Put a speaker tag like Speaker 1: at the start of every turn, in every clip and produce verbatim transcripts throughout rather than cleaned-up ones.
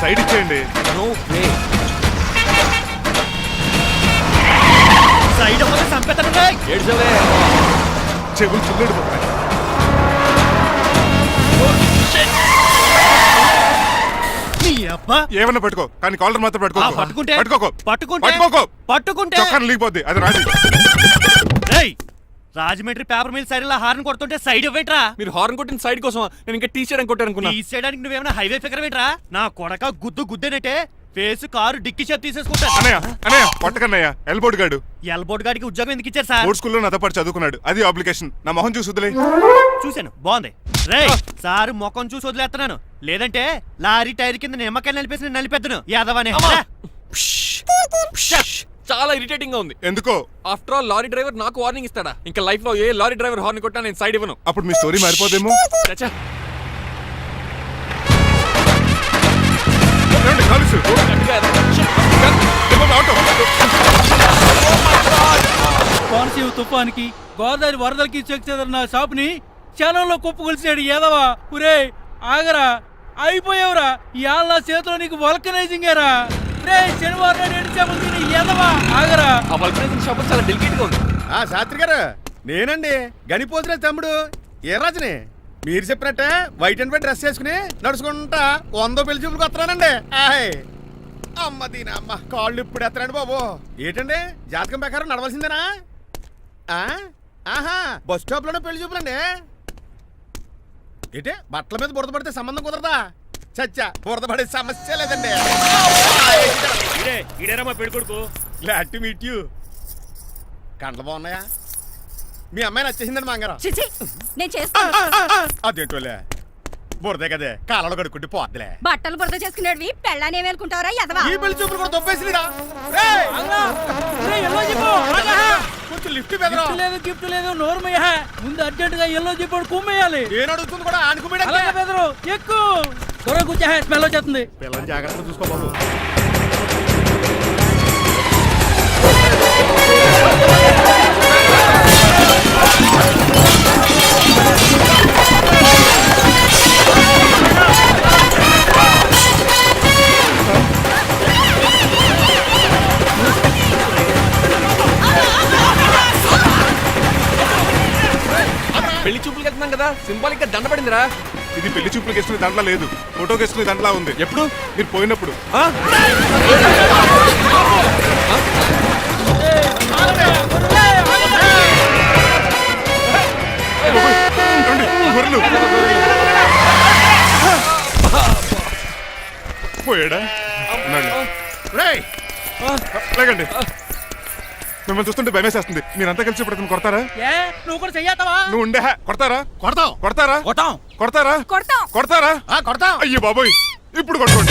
Speaker 1: Side ఇచ్చేయండి.
Speaker 2: Side అవ్వక చంపేతాను.
Speaker 1: చెవులు చిల్లుడిపోతున్నాయి. ఏమన్నా పట్టుకో, కానీ కాలర్ మాత్రం పట్టుకో.
Speaker 2: పట్టుకుంటే
Speaker 1: పట్టుకోకో
Speaker 2: పట్టుకుంటే
Speaker 1: పట్టుకోకో
Speaker 2: పట్టుకుంటే
Speaker 1: చొక్కాను లీగిపోద్ది. అది రాదు.
Speaker 2: Rajahmundry paper mill side horn కొడుతుంటే సైడ్ ఇవ్వట్రా.
Speaker 3: మీరు హార్న్ కొట్టిన సైడ్ కోసం నేను ఇంకా టీ చేయడానికి కొట్టారనుకున్నా.
Speaker 2: టీ చేయడానికి నువ్వేమైనా హైవే ఫిగర్ ఏంట్రా? నా కొడక గుద్దు గుద్దేనట్టే ఫేస్ కారు డిక్కి చేతి తీసేసుకుంటా.
Speaker 1: అన్నయ్య అన్నయ్య కొట్టకన్నయ్య. ఎల్బోర్డ్ గాడు
Speaker 2: ఎల్బోర్డ్ గాడికి ఉద్యోగం ఎందుకు ఇచ్చారు సార్?
Speaker 1: బోర్డ్ స్కూల్లో నాతో పాటు చదువుకున్నాడు. అది అప్లికేషన్. నా మొహం చూసి వదిలే.
Speaker 2: చూశాను, బాగుంది. రే సారు ముఖం చూసి వదిలేస్తున్నాను, లేదంటే లారీ టైర్ కింద నిమ్మకాయ నలిపేసి నేను నలిపెద్దను యాదవనే.
Speaker 3: చాలా ఇరిటేటింగ్ గా ఉంది.
Speaker 1: ఎందుకో?
Speaker 3: ఆఫ్టర్ ఆల్ లారీ డ్రైవర్ నాకు వార్నింగ్ ఇస్తాడా? ఇంకా లైఫ్ లో ఏ లారీ డ్రైవర్ హార్న్ కొట్టా నేను సైడ్ ఇవ్వను.
Speaker 1: అప్పుడు మీ స్టోరీ మారిపోదేమో.
Speaker 3: చచ్చా
Speaker 4: కోనసీమ తుఫానికి గోదావరి వరదలకి చెక్ చెదరిన షాప్ ని క్షణంలో కుప్పగొలిచాడు ఏదవా. పురే ఆగరా, అయిపోయావురా. ఇవాళ నా చేతిలో నీకు వల్కనైజింగ్ ఏరా. రే శనివారం రెండు చేపలు తిని ఏదవా ఆగరా.
Speaker 3: ఆ వల్కనైజింగ్ షాప్ చాలా డెలికేట్ గా ఉంది.
Speaker 5: ఆ శాస్త్రి గారు నేనండి, గనిపోతున్న తమ్ముడు ఏ రాజుని. మీరు చెప్పినట్టే వైట్ అండ్ వైట్ డ్రెస్ వేసుకుని నడుచుకుంటా వందో పెళ్లి చూపులకు వస్తున్నానండి. అమ్మ దీని అమ్మ కాళ్ళు ఇప్పుడు ఎత్తరండి బాబు. ఏంటండి జాతకం ప్రకారం నడవలసిందేనా? ఆహా బస్ స్టాప్ లోనే పెళ్లి చూపులండి. ఏంటే బట్టల మీద బురద పడితే సంబంధం కుదరదా? చచ్చా బురద పడే సమస్య లేదండి. Glad to meet you. కండ్లు బాగున్నాయా? మీ అమ్మాయి నచ్చేసిందండి మాంగారం.
Speaker 6: నేను చేస్తాను.
Speaker 5: అదేంటోలే బురదే కదే కాలలో కడుక్కుంటే పోద్దులే.
Speaker 6: బట్టలు బురద చేసుకునేవి పెళ్ళానే వేలుకుంటావరా ఎదవా?
Speaker 5: ఈ పెళ్లి చూపులు కూడా దొబ్బేసిరా. కొంచెం లిఫ్ట్
Speaker 4: లేదు గిఫ్ట్ లేదు నోర్మయ్య. ముందు అర్జెంట్ గా ఎల్లో చెప్పాడు కుమ్మేయాలి.
Speaker 5: నేను అడుగుతుంది కూడా ఆనుకుమేడా.
Speaker 4: బెదరు ఎక్కువ త్వరగా కూర్చో, స్మెల్ వచ్చేస్తుంది.
Speaker 5: పిల్లల్ని జాగ్రత్తగా చూసుకో బాబు.
Speaker 3: పెళ్లి చూపులకి వెళ్తున్నాం కదా, సింబాలిక్ గా దండ పడిందిరా.
Speaker 1: ఇది పెళ్లి చూపులకు వేసుకునే దాంట్లో లేదు, ఫోటోకి వేసుకునే దాంట్లో ఉంది.
Speaker 3: ఎప్పుడు?
Speaker 1: మీరు పోయినప్పుడు. పోయాడా? లేకండి, మిమ్మల్ని చూస్తుంటే భయమేసేస్తుంది. మీరంతా కలిసి ఇప్పుడు అతను కొడతారా?
Speaker 4: నువ్వు కూడా చెయ్యతావా?
Speaker 1: నువ్వు ఉండే కొడతారా?
Speaker 5: కొడతాం
Speaker 1: కొడతారా?
Speaker 4: కొడతాం
Speaker 1: కొడతారా?
Speaker 6: కొడతాం
Speaker 1: కొడతారా?
Speaker 5: కొడతాం.
Speaker 1: అయ్యో బాబోయ్, ఇప్పుడు కొట్టుకోండి.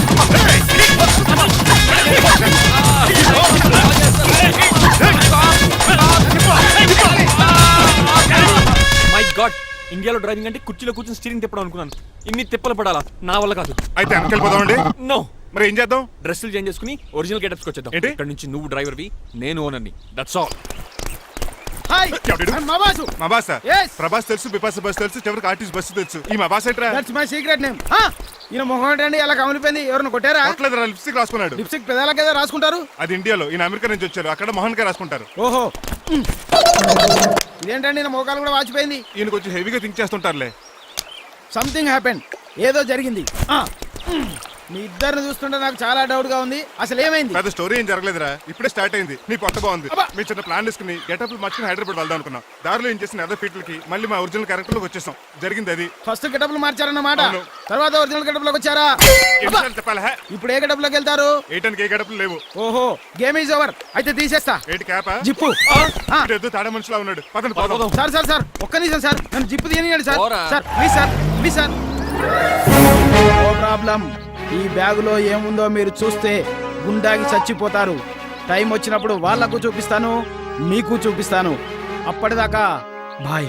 Speaker 3: మై గాడ్, ఇండియాలో డ్రైవింగ్ అంటే కుర్చీలో కూర్చొని స్టీరింగ్ తిప్పడం అనుకున్నాను. ఇన్ని తిప్పలు పడాలా? నా వల్ల కాదు.
Speaker 1: అయితే వెనకెళ్ళిపోదామండి.
Speaker 3: నో.
Speaker 1: మరి ఏం చేద్దాం?
Speaker 3: డ్రెస్సులు చేంజ్ చేసుకుని ఒరిజినల్ గెటప్స్కి వచ్చేద్దాం.
Speaker 1: ఏంటి?
Speaker 3: ఇక్కడ నుంచి నువ్వు డ్రైవర్వి, నేను ఓనర్ని. That's all.
Speaker 5: హాయ్ మా బాసు.
Speaker 1: మా బాస
Speaker 5: Yes.
Speaker 1: ప్రభాస్ తెలుసు, బిపాస బస్ తెలుసు, చివరికి ఆర్టిస్ట్ బస్సు తెలుసు. ఈ మా బాస్ ఏంట్రా?
Speaker 5: That's my secret name. ఈయన మొహం ఏంటండి ఎలా కమిలిపోయింది? ఎవరిని కొట్టారా?
Speaker 1: కొట్టలేదురా, లిప్స్టిక్ రాసుకున్నాడు.
Speaker 5: లిప్స్టిక్ పెదాల కదా రాసుకుంటారు.
Speaker 1: అది ఇండియాలో, ఈయన అమెరికా నుంచి వచ్చారు. అక్కడ మోహన్ గారు రాసుకుంటారు.
Speaker 5: ఓహో ఇదేంటండి నా మోకాలు కూడా వాచిపోయింది.
Speaker 1: ఈయన కొంచెం హెవీగా థింక్ చేస్తుంటారులే.
Speaker 5: సంథింగ్ హ్యాపెన్, ఏదో జరిగింది. మీ ఇద్దరిని చూస్తుంటే నాకు చాలా డౌట్ గా ఉంది. అసలు ఏమైంది?
Speaker 1: పెద్ద స్టోరీ ఏం జరగలేదురా, ఇప్పుడే స్టార్ట్ అయింది. నీ కొత్త బాగుంది. మీ చిన్న ప్లాన్ తీసుకుని గెటప్ మార్చుకుని హైదరాబాద్ వెళ్దాం అనుకున్నాం. దారిలో ఏం చేసిన అదర్ ఫీట్లకి మళ్ళీ మా ఒరిజినల్ క్యారెక్టర్ లోకి వచ్చేసాం. జరిగింది అది.
Speaker 5: ఫస్ట్ గెటప్లు మార్చారన్నమాట, తర్వాత ఒరిజినల్ గెటప్ లోకి వచ్చారా?
Speaker 1: చెప్పాలా?
Speaker 5: ఇప్పుడు ఏ గెటప్ లోకి వెళ్తారు?
Speaker 1: ఏటానికి ఏ గెటప్లు లేవు.
Speaker 5: ఓహో గేమ్ ఈజ్ ఓవర్. అయితే తీసేస్తా.
Speaker 1: ఏటి క్యాపా?
Speaker 5: జిప్పు.
Speaker 1: తాడే మనిషిలా ఉన్నాడు. పదండి పోదాం.
Speaker 5: సార్ సార్ సార్ ఒక్క నిమిషం సార్, నన్ను జిప్పు తీయనియండి సార్.
Speaker 3: పోరా.
Speaker 5: Sir please sir, please sir. No problem. ఈ బ్యాగులో ఏముందో మీరు చూస్తే గుండాకి చచ్చిపోతారు. టైం వచ్చినప్పుడు వాళ్ళకు చూపిస్తాను, మీకు చూపిస్తాను. అప్పటిదాకా బాయ్.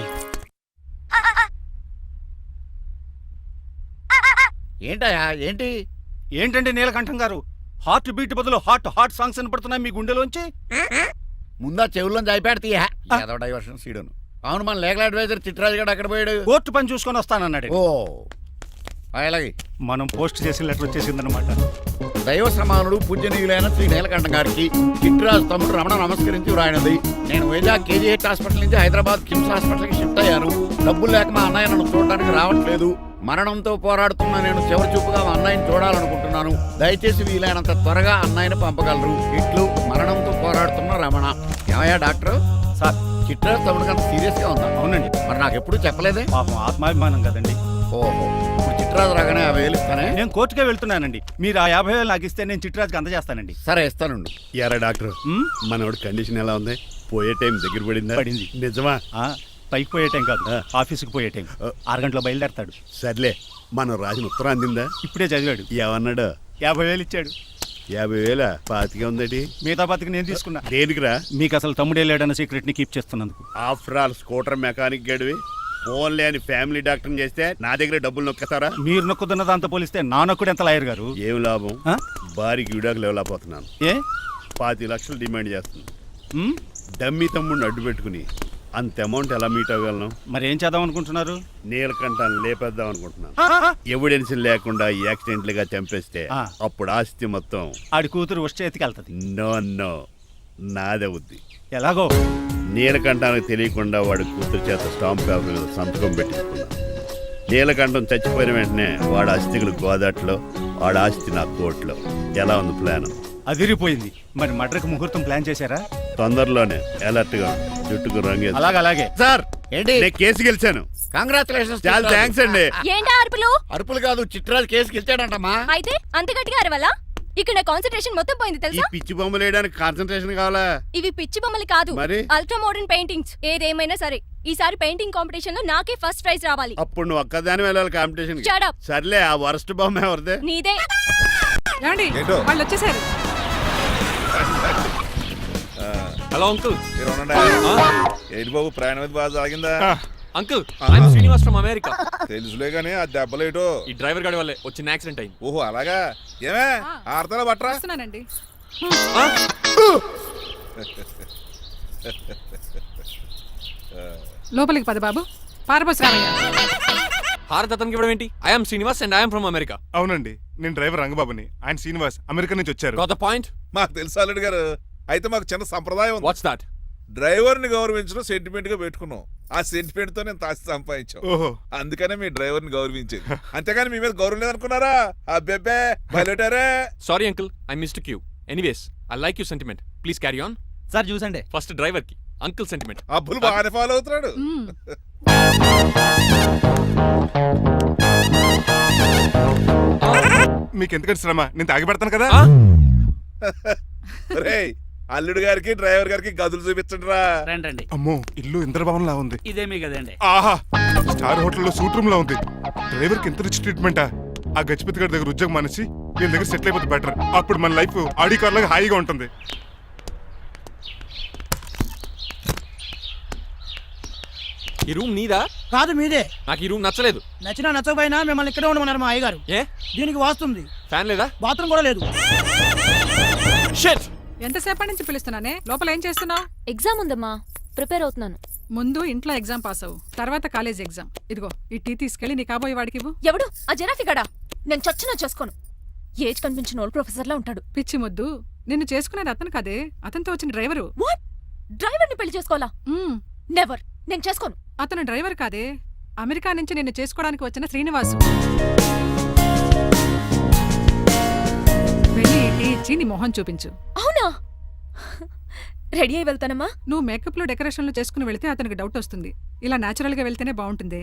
Speaker 7: ఏంటయా ఏంటి?
Speaker 4: ఏంటండి నీలకంఠం గారు, హార్ట్ బీట్ బదులు హార్ట్ హార్ట్ సాంగ్స్ వినపడుతున్నాయి మీ గుండెలోంచి.
Speaker 7: ముందా చెవుల్లో జాయిపెడతీయా ఏదో డైవర్షన్ సీడును. అవును, మన లీగల్ అడ్వైజర్ చిట్రాజు గారు అక్కడ పోయాడు.
Speaker 4: కోర్టు పని చూసుకొని వస్తానన్నాడు.
Speaker 7: ఓ అలాగే
Speaker 8: మనం పోస్ట్ చేసిన లెటర్ వచ్చేసిందనమాట.
Speaker 7: దైవ సమానుడు పూజనీయులైన శ్రీ నీలకంఠ గారికి చిట్రాజు తమ్ముడు రమణ నమస్కరించి వ్రాయినది. నేను వైజాగ్ కేజీహెచ్ హాస్పిటల్ నుంచి హైదరాబాద్ కిమ్స్ హాస్పిటల్కి షిఫ్ట్ అయ్యాను. డబ్బులు లేక మా అన్నయ్య నన్ను చూడడానికి రావట్లేదు. మరణంతో పోరాడుతున్న నేను చివరి చూపుగా మా అన్నయ్యని చూడాలనుకుంటున్నాను. దయచేసి వీలైనంత త్వరగా అన్నయ్యని పంపగలరు. ఇట్లు మరణంతో పోరాడుతున్న రమణ. ఏమయ్యా డాక్టర్?
Speaker 8: సార్
Speaker 7: చిట్రాజు తమ్ముడికి అంత సీరియస్ గా ఉందా?
Speaker 8: అవునండి,
Speaker 7: మరి నాకు ఎప్పుడు చెప్పలేదే.
Speaker 8: పాపం ఆత్మాభిమానం కదండి.
Speaker 7: ఓహో, ఇప్పుడు చిట్రాజు రాగానే యాభై వేలు ఇస్తానే.
Speaker 8: నేను కోర్టుకే వెళ్తున్నానండి. మీరు ఆ యాభై వేలు నాకు ఇస్తే నేను చిట్రాజుకి అందజేస్తానండి.
Speaker 7: సరే ఇస్తానండి.
Speaker 5: ఎరా డాక్టర్,
Speaker 8: ఉమ్,
Speaker 5: మనోడి కండిషన్ ఎలా ఉంది? పోయే టైం దగ్గర పడిందా?
Speaker 8: పడింది.
Speaker 5: నిజమా?
Speaker 8: ఆ, పైకి పోయే టైం కాదు, ఆఫీస్కి పోయే టైం. ఆరు గంటలో బయలుదేరతాడు.
Speaker 5: సర్లే, మనం రాసిన ఉత్తరం అందిందా?
Speaker 8: ఇప్పుడే చదివాడు.
Speaker 5: ఏమన్నాడు?
Speaker 8: యాభై వేలు ఇచ్చాడు.
Speaker 5: యాభై వేల పాతిగా ఉందటి.
Speaker 8: మిగతా బతికి నేను తీసుకున్నా.
Speaker 5: దేనికిరా?
Speaker 8: మీకు అసలు తమ్ముడే లేడన్న సీక్రెట్ ని కీప్ చేస్తున్నందుకు.
Speaker 5: ఆఫ్టర్ ఆల్ స్కూటర్ మెకానిక్ గడివి ఫోన్ లేని ఫ్యామిలీ డాక్టర్ చేస్తే నా దగ్గర డబ్బులు నొక్కేస్తారా?
Speaker 8: మీరు నొక్కుతున్న దాంతో పోలిస్తే నా నొక్కుడు ఎంత లాయర్ గారు.
Speaker 5: ఏం లాభం?
Speaker 8: ఆ?
Speaker 5: భారీకి విడాకులు ఇవ్వలేకపోతున్నాను.
Speaker 8: ఏ
Speaker 5: పాతి లక్షలు డిమాండ్ చేస్తుంది.
Speaker 8: ఉమ్,
Speaker 5: డమ్మీ తమ్ముడిని అడ్డు పెట్టుకుని అంత అమౌంట్ ఎలా మీట్ అవ్వగలను?
Speaker 8: మరి ఏం చేద్దాం అనుకుంటున్నారు?
Speaker 5: నీలకంఠాన్ని లేపేద్దాం అనుకుంటున్నాను. ఎవిడెన్స్ లేకుండా యాక్సిడెంట్ గా చంపేస్తే
Speaker 8: ఆ.
Speaker 5: అప్పుడు ఆస్తి మొత్తం
Speaker 8: ఆడి కూతురు వచ్చే ఎత్తికి వెళ్తుంది.
Speaker 5: నో నో నాదే ఉంది.
Speaker 8: ఎలాగో
Speaker 5: నీలకంఠానికి తెలియకుండా వాడి కూతురు చేత స్టాంప్ పేపర్ మీద సంతకం పెట్టించుకున్నాను. నీలకంఠం చచ్చిపోయిన వెంటనే వాడి ఆస్తికులు గోదాట్లో, వాడి ఆస్తి నా కోర్టులో. ఎలా ఉంది ప్లాన్?
Speaker 8: అదిరిపోయింది. మరి మడ్రకు ముహూర్తం ప్లాన్ చేశారా?
Speaker 5: తొందరలోనే అలర్ట్ గా ఉండు. జుట్టుకు రంగు
Speaker 8: అలాగే అలాగే.
Speaker 7: సార్ ఏంటి?
Speaker 5: నేను కేసు గెలిచాను.
Speaker 7: కంగ్రాచులేషన్స్.
Speaker 5: చాలా థ్యాంక్స్ అండి.
Speaker 6: ఏంటా అరుపులు?
Speaker 7: అరుపులు కాదు, చిట్రాజు కేసుకి ఇచ్చాడంటమ్మా.
Speaker 6: అయితే అంత గట్టిగా అరవాలా? ఇక్కడ నా కాన్సన్ట్రేషన్ మొత్తం పోయింది
Speaker 5: ఈ
Speaker 6: తెలుసా?
Speaker 5: పిచ్చి బొమ్మలు వేయడానికి కాన్సన్ట్రేషన్ కావాలా?
Speaker 6: ఇవి పిచ్చి బొమ్మలు కాదు,
Speaker 5: మరి?
Speaker 6: Ultra modern paintings. ఏదేమైనా సరే ఈసారి పెయింటింగ్ కాంపిటీషన్ లో నాకే ఫస్ట్ ప్రైజ్ రావాలి.
Speaker 5: అప్పుడు నువ్వు ఒక్కదాని వెళ్ళాలి కాంపిటీషన్.
Speaker 6: Shut up.
Speaker 5: సర్లే, ఆ వరస్ట్ బొమ్మ ఎవరిదే?
Speaker 6: నీదే.
Speaker 9: ఏమండి వాళ్ళు వచ్చేసారు.
Speaker 3: Hello uncle.
Speaker 1: ఏంటి బాబు, ప్రయాణం బాగా సాగిందా?
Speaker 3: Uncle, I'm Srinivas from America.
Speaker 1: తెలుసులే గానీ ఆ దెబ్బలేటో.
Speaker 3: ఈ డ్రైవర్ గాడి వల్లే వచ్చిన యాక్సిడెంట్ అయింది.
Speaker 1: ఓహో అలాగా. ఏమే ఆడతారా బట్రా?
Speaker 9: వస్తున్నానండి. లోపలికి పద బాబు. పారబోస్ రామయ్య.
Speaker 3: హారత అతనికి ఇవ్వడం ఏంటి? I'm Srinivas and I'm from America.
Speaker 1: అవునండి, నేను డ్రైవర్ రంగబాబుని. ఆయన శ్రీనివాస్ అమెరికా నుంచి వచ్చారు.
Speaker 3: Got the point?
Speaker 10: మాకు తెలుసు అల్లుడు గారు. అయితే మాకు చిన్న సంప్రదాయం ఉంది.
Speaker 3: What's that?
Speaker 10: డ్రైవర్ ని గౌరవించడం సెంటిమెంట్ గా పెట్టుకున్నాం. ఆ సెంటిమెంట్ తో నేను తాసి సంపాదించాం.
Speaker 1: ఓహో,
Speaker 10: అందుకనే మీ డ్రైవర్ ని గౌరవించేది. అంతేగాని మీ మీద గౌరవం లేదనుకున్నారా? అబ్బెబ్బే బయలుటారే.
Speaker 3: Sorry uncle, I mistake you. Anyways, I like you sentiment. Please carry on.
Speaker 2: Sir చూసండి.
Speaker 3: ఫస్ట్ డ్రైవర్ కి అంకుల్ సెంటిమెంట్.
Speaker 10: అబ్బులు బాగానే ఫాలో అవుతున్నాడు.
Speaker 9: మ్మ్.
Speaker 1: మీకు ఎందుకంటే శ్రమ, నేను తాగి పెడతాను కదా.
Speaker 10: రేయ్, అల్లుడు గారికి డ్రైవర్ గారికి గదులు చూపించండి రా.
Speaker 4: రండి.
Speaker 1: అమ్మో, ఇల్లు ఇంద్రభవన్ లా ఉంది.
Speaker 4: ఇదేమీ కదండి.
Speaker 1: ఆహా, స్టార్ హోటల్లో సూట్ రూమ్ లా ఉంది. డ్రైవర్ కి ఎంత రిచ్ ట్రీట్మెంటా? ఆ గజపతి గారి దగ్గర ఉద్యోగం మానేసి వీళ్ళ దగ్గర సెటిల్ అయిపోతే బెటర్. అప్పుడు మన లైఫ్ ఆడి కార్ లాగా హాయిగా ఉంటుంది.
Speaker 3: ఈ రూమ్ నీదా?
Speaker 4: కాదు మీదే.
Speaker 3: నాకు ఈ రూమ్ నచ్చలేదు.
Speaker 4: నచ్చినా నచ్చకపోయినా మిమ్మల్ని ఇక్కడే ఉండమన్నారు మా అయ్యగారు.
Speaker 3: ఏ
Speaker 4: దీనికి వాస్తుంది.
Speaker 3: ఫ్యాన్ లేదా?
Speaker 4: బాత్రూమ్ కూడా లేదు.
Speaker 3: షిట్.
Speaker 9: ఎంతసేపటి నుంచి పిలుస్తున్నానే? లోపల ఏం చేస్తున్నావు?
Speaker 6: ఎగ్జామ్ ఉందమ్మా, ప్రిపేర్ అవుతున్నాను.
Speaker 9: ముందు ఇంట్లో ఎగ్జామ్ పాస్ అవ్వు, తర్వాత కాలేజ్ ఎగ్జామ్. ఇదిగో ఈ టీ తీసుకెళ్లి నీ కాబోయే వాడికి ఇవ్వు.
Speaker 6: ఎవడు ఆ జరాఫీ గడా? నేను చచ్చినా చేసుకోను. ఏజ్ కనిపించిన ఓల్డ్ ప్రొఫెసర్ లా ఉంటాడు.
Speaker 9: పిచ్చి ముద్దు, నిన్ను చేసుకునేది అతను కాదే, అతనితో వచ్చిన డ్రైవరు.
Speaker 6: వాట్? డ్రైవర్ ని పెళ్లి చేసుకోవాలా?
Speaker 9: మ్మ్.
Speaker 6: నెవర్, నేను చేసుకోను.
Speaker 9: అతను డ్రైవర్ కాదే, అమెరికా నుంచి నిన్ను చేసుకోవడానికి వచ్చిన శ్రీనివాసు. వెళ్ళి ఈ టీ ఇచ్చి నీ మొహం చూపించు.
Speaker 6: అవునా? రెడీ అయి వెళ్తానమ్మా.
Speaker 9: నువ్వు మేకప్ లో డెకరేషన్లు చేసుకుని వెళ్తే అతనికి డౌట్ వస్తుంది. ఇలా నేచురల్ గా వెళ్తేనే బాగుంటుంది.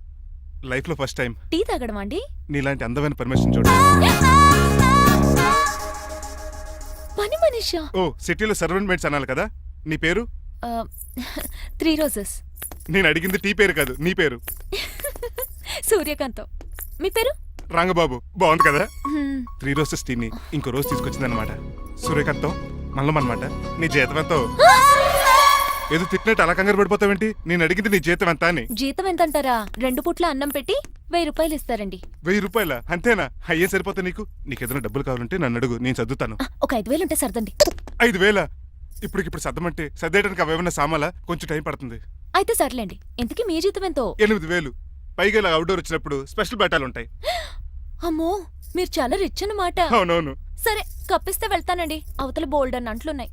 Speaker 1: లైఫ్ లో ఫస్ట్ టైం
Speaker 6: టీ తాగడం అండి.
Speaker 1: నీలాంటి అందమైన పర్మిషన్ చూడు.
Speaker 6: శిరీష.
Speaker 1: ఓ సిటీలో సర్వెంట్ మేట్స్ అనాలి కదా. నీ పేరు?
Speaker 6: Three roses.
Speaker 1: నేను అడిగింది టీ పేరు కాదు, నీ పేరు.
Speaker 6: సూర్యకాంతం. మీ పేరు?
Speaker 1: రంగబాబు. బాగుంది కదా. త్రీ రోజెస్ టీని ఇంకో రోజు తీసుకొచ్చిందనమాట. సూర్యకాంతం మల్లం అనమాట. నీ జీతం ఎంతో? ఏదో తిట్టినట్టు అలా కంగారు పడిపోతావేంటి? నేను అడిగింది నీ జీతం ఎంత అని.
Speaker 6: జీతం ఎంత అంటారా? రెండు పూట్ల అన్నం పెట్టి వెయ్యి రూపాయలు ఇస్తారండి.
Speaker 1: వెయ్యి రూపాయల అంతేనా? అయ్యే సరిపోతా నీకు. నీకు ఏదైనా డబ్బులు కావాలంటే నన్ను అడుగు, నేను చదువుతాను.
Speaker 6: ఒక ఐదు వేలు ఉంటే సర్దండి.
Speaker 1: ఐదు వేల ఇప్పటికిప్పుడు సర్దమంటే సర్దేయడానికి అవేమన్నా సామాలా? కొంచెం టైం పడుతుంది.
Speaker 6: అయితే సర్లేండి. ఇంతకీ మీ జీతం ఎంతో?
Speaker 1: ఎనిమిది వేలు. పైగా ఇలా అవుట్డోర్ వచ్చినప్పుడు స్పెషల్ బట్టాలు ఉంటాయి.
Speaker 6: అమ్మో, మీరు చాలా రిచ్ అన్నమాట.
Speaker 1: అవునవును.
Speaker 6: సరే కప్పిస్తే వెళ్తానండి. అవతల బోల్డ్ అన్న అంట్లున్నాయి.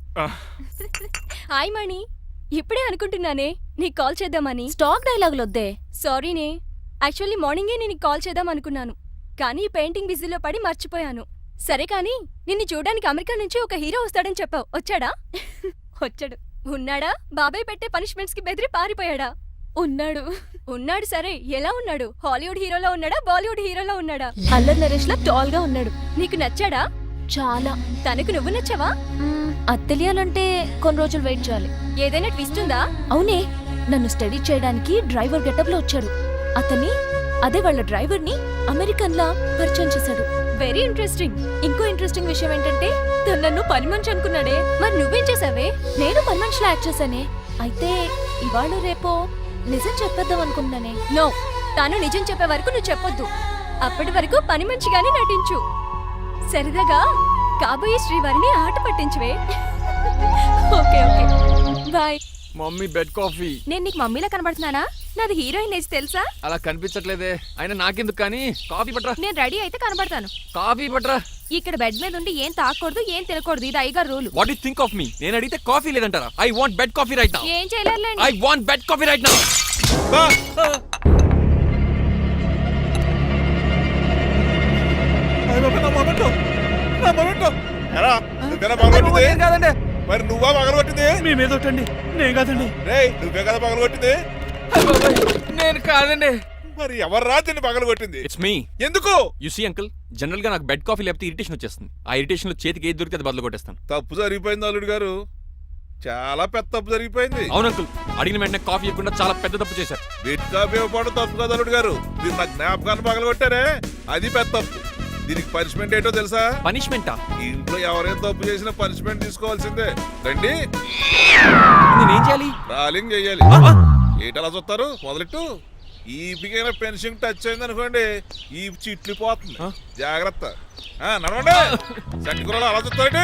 Speaker 6: హాయ్ మణి. ఇప్పుడే అనుకుంటున్నానే నీకు కాల్ చేద్దామని. స్టాక్ డైలాగులు వద్దే. సారీనే. యాక్చువల్లీ మార్నింగే నేను కాల్ చేద్దాం అనుకున్నాను, కానీ ఈ పెయింటింగ్ బిజీలో పడి మర్చిపోయాను. సరే కానీ నిన్ను చూడడానికి అమెరికా నుంచి ఒక హీరో వస్తాడని చెప్పావు. వచ్చాడా? వచ్చాడు. ఉన్నాడా? బాబాయ్ పెట్టే పనిష్మెంట్స్ కి బెదిరి పారిపోయాడా? ఉన్నాడు. ఉన్నాడు. సరే ఎలా ఉన్నాడు? హాలీవుడ్ హీరోలో ఉన్నాడా, బాలీవుడ్ హీరోలో ఉన్నాడా? అల్లరి నరేష్ లా టాల్ గా ఉన్నాడు. నీకు నచ్చాడా? చాలా. తనకు నువ్వు నచ్చావా? అది తెలియాలంటే కొన్ని రోజులు వెయిట్ చేయాలి. ఏదైనా ట్విస్ట్ ఉందా? అవునే, నన్ను స్టడీ చేయడానికి డ్రైవర్ గెటప్ లో వచ్చాడు. అతన్ని, అదే వాళ్ళ డ్రైవర్ ని అమెరికన్ లా పరిచయం చేశాడు. Very interesting. ఇంకో ఇంట్రెస్టింగ్ విషయం ఏంటంటే తను నన్ను పని మనిషి అనుకున్నాడే. మరి నువ్వేం చేసావే? నేను పని మనిషిలా యాక్ట్ చేశానే. అయితే ఇవాళ రేపో నిజం చెప్పేద్దాం అనుకున్నానే. నో, తాను నిజం చెప్పే వరకు నువ్వు చెప్పొద్దు. అప్పటి వరకు పని మనిషిగానే నటించు. సరదాగా కాబోయే శ్రీవారిని ఆట పట్టించువే. Okay okay bye.
Speaker 3: Mummy bed coffee.
Speaker 6: నేను నీకు మమ్మీలా కనబడుతున్నానా? నాది హీరోయిన్ ఏజ్ తెలుసా?
Speaker 3: అలా కనిపించట్లేదే. అయినా నాకెందుకు కానీ. కాఫీ పట్రా.
Speaker 6: నేను రెడీ అయితే కనబడతాను.
Speaker 3: కాఫీ పట్రా.
Speaker 6: ఇక్కడ బెడ్ మీద ఉండి ఏం తాకూడదు, ఏం తినకూడదు. ఇది అయ్యగారు rule.
Speaker 3: What you think of me? నేను అడిగితే కాఫీ లేదంటారా? I want bed coffee right now.
Speaker 6: ఏం చేయలేరులేండి.
Speaker 3: I want bed coffee right now.
Speaker 10: ఎరా, నువ్వేనా పగలగొట్టింది?
Speaker 3: కాదండి,
Speaker 10: మరి నువ్వా పగలగొట్టింది?
Speaker 4: మీ మీద ఒకటండి. నేను కాదండి.
Speaker 10: రేయ్, నువ్వే కదా పగలగొట్టింది?
Speaker 3: నేను కాదండి.
Speaker 10: మరి ఎవర్రా దీన్ని పగలగొట్టింది?
Speaker 3: It's me.
Speaker 10: ఎందుకు?
Speaker 3: యు సీ అంకుల్, జనరల్ గా నాకు బెడ్ కాఫీ లేకపోతే ఇరిటేషన్ వచ్చేస్తుంది. ఆ ఇరిటేషన్ లో చేతికి ఏది దొరికితే అది బదులు కొట్టేస్తాను.
Speaker 10: తప్పు జరిగిపోయింది అల్లుడు గారు. చాలా పెద్ద తప్పు జరిగిపోయింది.
Speaker 3: అవును అంకుల్, అడిగిన వెంటనే కాఫీ ఇవ్వకుండా చాలా పెద్ద తప్పు చేశారు.
Speaker 10: బిడ్ కాఫీ ఇవ్వకపోవడం తప్పు కదా అల్లుడు గారు. మీరు నా జ్ఞాపకాన్ని పగలగొట్టారే, అది పెద్ద తప్పు. దీనికి పనిష్మెంట్ ఏంటో తెలుసా?
Speaker 3: పనిష్మెంటా?
Speaker 10: ఇంట్లో ఎవరైనా తప్పు చేసినా పనిష్మెంట్ తీసుకోవాల్సిందే. రండి,
Speaker 3: నేనేం చేయాలి?
Speaker 10: రాలింగ్ చెయ్యాలి. ఏటలా చూస్తారు? మొదలెట్టు. ఈ పికైనా పెన్షన్ టచ్ అయింది అనుకోండి, ఈ చిట్లు పోతుంది. జాగ్రత్త. ఆ, నడవండి. సంటి కూరలు అలా చూస్తారండి.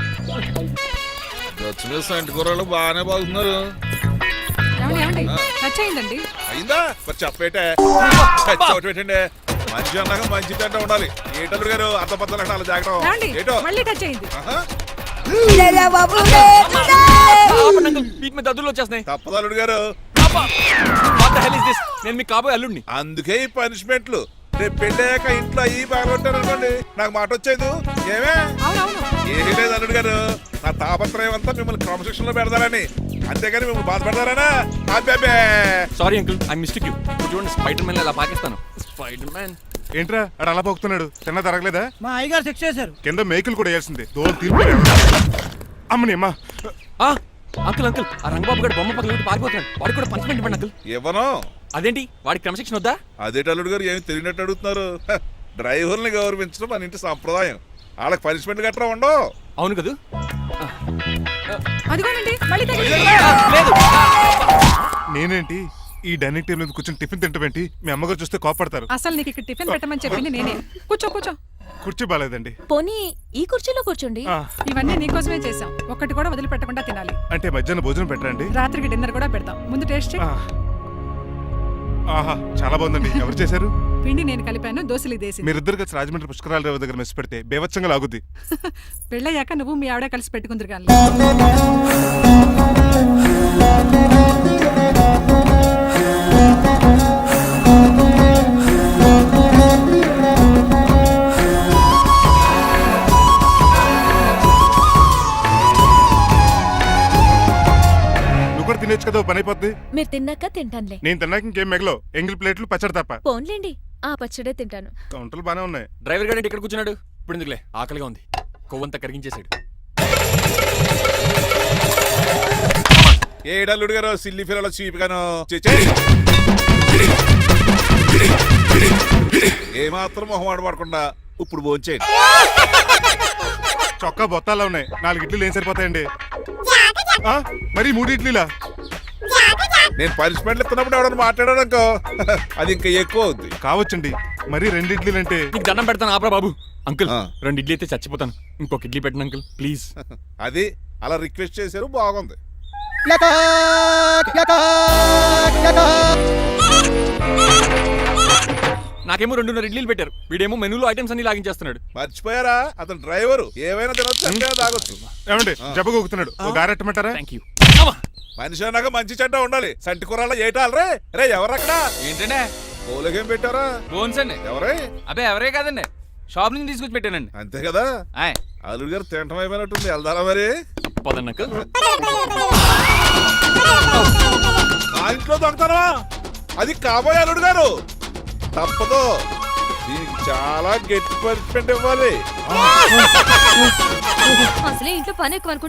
Speaker 10: వచ్చిన సంటి కూరలు బాగానే బాగుతున్నారు.
Speaker 9: ఏమండి, ఏమండి? టచ్ అయిందండి.
Speaker 10: అయిందా? మరి చెప్పేటే చోటు పెట్టండి. మంచి అన్నాక మంచి తింట ఉండాలి. ఏటల్లుడు గారు అర్థపత్రాలు అలా
Speaker 9: ఏమండి?
Speaker 10: జాగ్రత్త. ఏటో
Speaker 9: మళ్ళీ టచ్ అయింది.
Speaker 10: ఆహా.
Speaker 3: వీటి మీద దద్దులు వచ్చేస్తున్నాయి.
Speaker 10: తప్పదల్లుడు గారు.
Speaker 3: What the hell is this? నేను మీ కాబోయే అల్లుడిని.
Speaker 10: అందుకే ఈ పనిష్మెంట్లు. రేపు పెళ్ళాక ఇంట్లో అయ్యి బాగుంటారు అనుకోండి, నాకు మాట వచ్చేది ఏమే?
Speaker 9: అవునవును.
Speaker 10: ఏమీ లేదు అల్లుడు గారు. నా తాపత్రయం అంతా మిమ్మల్ని క్రమశిక్షణ లో పెడతారని, అంతేగాని మిమ్మల్ని బాధపడతారనా? అబ్బే.
Speaker 3: Sorry uncle, I mistake you. చూడండి, స్పైడర్ మ్యాన్ అలా పాకిస్తాను. స్పైడర్ మ్యాన్
Speaker 1: ఏంట్రా అడు అలా పోతున్నాడు? తిన్న తరగలేదా?
Speaker 4: మా అయ్యగారు సెక్స్ చేశారు.
Speaker 1: కింద మేకులు కూడా వేయాల్సిందే. దోలు తీర్పు. అమ్మని అమ్మా.
Speaker 3: అంకుల్ అంకుల్, ఆ రంగబాబు గారు బొమ్మ పక్కన పారిపోతున్నాడు. వాడికి కూడా పనిష్మెంట్ ఇవ్వండి అంకుల్.
Speaker 10: ఇవ్వను.
Speaker 3: అదేంటి, వాడికి క్రమశిక్షణ వద్దా?
Speaker 10: అదేటి అల్లుడు గారు ఏమి తెలియనట్టు అడుగుతున్నారు? హ, డ్రైవర్ని గౌరవించడం మన ఇంటి సంప్రదాయం. వాళ్ళకి పనిష్మెంట్ గట్రా ఉండవు.
Speaker 3: అవును కదా.
Speaker 9: అదిగోనండి మళ్ళీ తగిలింది.
Speaker 3: లేదు.
Speaker 1: నేనేంటి ఈ డైనింగ్ టేబుల్ మీద కూర్చొని టిఫిన్ తింటామేంటి? మీ అమ్మగారు చూస్తే కోపడతారు.
Speaker 9: అసలు నీకు ఇక్కడ టిఫిన్ పెట్టమని చెప్పింది నేనే. కూర్చో కూర్చో.
Speaker 1: కుర్చీ బాలేదండి.
Speaker 6: పోనీ ఈ కుర్చీలో కూర్చోండి.
Speaker 1: ఆ,
Speaker 9: ఇవన్నీ నీకోసమే చేసాం. ఒక్కటి కూడా వదిలిపెట్టకుండా తినాలి.
Speaker 1: అంటే మధ్యాహ్నం భోజనం పెట్టరండి?
Speaker 9: రాత్రికి డిన్నర్ కూడా పెడతాం. ముందు టేస్ట్ చెయ్యి.
Speaker 1: ఆ. ఆహా, చాలా బాగుందండి. ఎవరు చేశారు?
Speaker 9: పిండి నేను కలిపాను, దోశలు దేశీ.
Speaker 1: మీరిద్దరు కలిసి రాజమండ్రి పుష్కరాల రేవు దగ్గర మెస్ పెడితే బేవచ్చంగా లాగుద్ది.
Speaker 9: పెళ్ళయ్యాక నువ్వు మీ ఆవిడ కలిసి పెట్టుకుందరు కానీ.
Speaker 1: నువ్వు కూడా తినేచ్చు కదా, పని అయిపోద్ది.
Speaker 6: మీరు తిన్నాక తింటానులే.
Speaker 1: నేను తిన్నాక ఇంకేం మిగలవు. ఎంగిల్ ప్లేట్లు పచ్చడి తప్ప.
Speaker 6: పోన్లేండి, ఆ పచ్చడే తింటాను.
Speaker 1: కౌంటర్లు బానే ఉన్నాయి.
Speaker 3: డ్రైవర్ గారు ఇక్కడ కూర్చున్నాడు. ఇప్పుడు ఎందుకులే, ఆకలిగా ఉంది. కొవ్వంతా కరిగించేశాడు.
Speaker 10: ఏడల్లుడు గారు సిల్లి ఫిల్లలో చీపిగాను ఏమాత్రం మొహమాట పడకుండా ఇప్పుడు భోంచేయండి.
Speaker 1: చొక్కా బొత్తాల్లో ఉన్నాయి, నాలుగు ఇడ్లీలు ఏం సరిపోతాయండి? ఆ, మరి మూడు ఇడ్లీలా?
Speaker 10: నేను పనిష్మెంట్లు ఇస్తున్నప్పుడు ఎవడన్నా మాట్లాడాడు అనుకో అది ఇంకా ఎక్కువ అవుద్ది.
Speaker 1: కావచ్చండి, మరి రెండు ఇడ్లీలు అంటే
Speaker 3: నీకు దండం పెడతాను ఆపరా బాబు. అంకుల్
Speaker 10: ఆ.
Speaker 3: రెండు ఇడ్లీ అయితే చచ్చిపోతాను, ఇంకొక ఇడ్లీ పెట్టండి అంకుల్ ప్లీజ్.
Speaker 10: అది అలా రిక్వెస్ట్ చేశారు, బాగుంది.
Speaker 3: నాకేమో రెండున్నర ఇడ్లీలు పెట్టారు, వీడేమో మెనూలో ఐటమ్స్ అన్ని లాగించేస్తున్నాడు.
Speaker 10: మర్చిపోయారా, అతను డ్రైవరు, ఏమైనా తినొచ్చు అంటే తాగొచ్చు.
Speaker 1: ఏమండి జబ్బగొక్కుతున్నాడు, ఓ గారెట్టమంటారా?
Speaker 3: Thank you.
Speaker 10: మనిషి అన్నాక మంచి చెడ్డ ఉండాలి. సంటి కూరల్లో ఏటాలరే రే ఎవరక్కడ
Speaker 11: ఏంటంటే
Speaker 10: పోలకేం పెట్టారా?
Speaker 11: బోన్స్ అండి.
Speaker 10: ఎవరే?
Speaker 11: అబ్బే ఎవరే కాదండి, షాప్ నుంచి తీసుకొచ్చి పెట్టానండి.
Speaker 10: అంతే కదా.
Speaker 11: ఆయ్
Speaker 10: అల్లుడు గారు తింటం అయిపోయినట్టుంది, వెళ్దారా మరి?
Speaker 3: పదండి అంకుల్.
Speaker 10: మా ఇంట్లో దొంగతనమా? అది కాబోయే అల్లుడు గారు, తప్పదు. దీనికి చాలా గట్టి పనిష్మెంట్ ఇవ్వాలి.
Speaker 6: అసలే ఇంట్లో పని ఎక్కువ అనుకుంటా.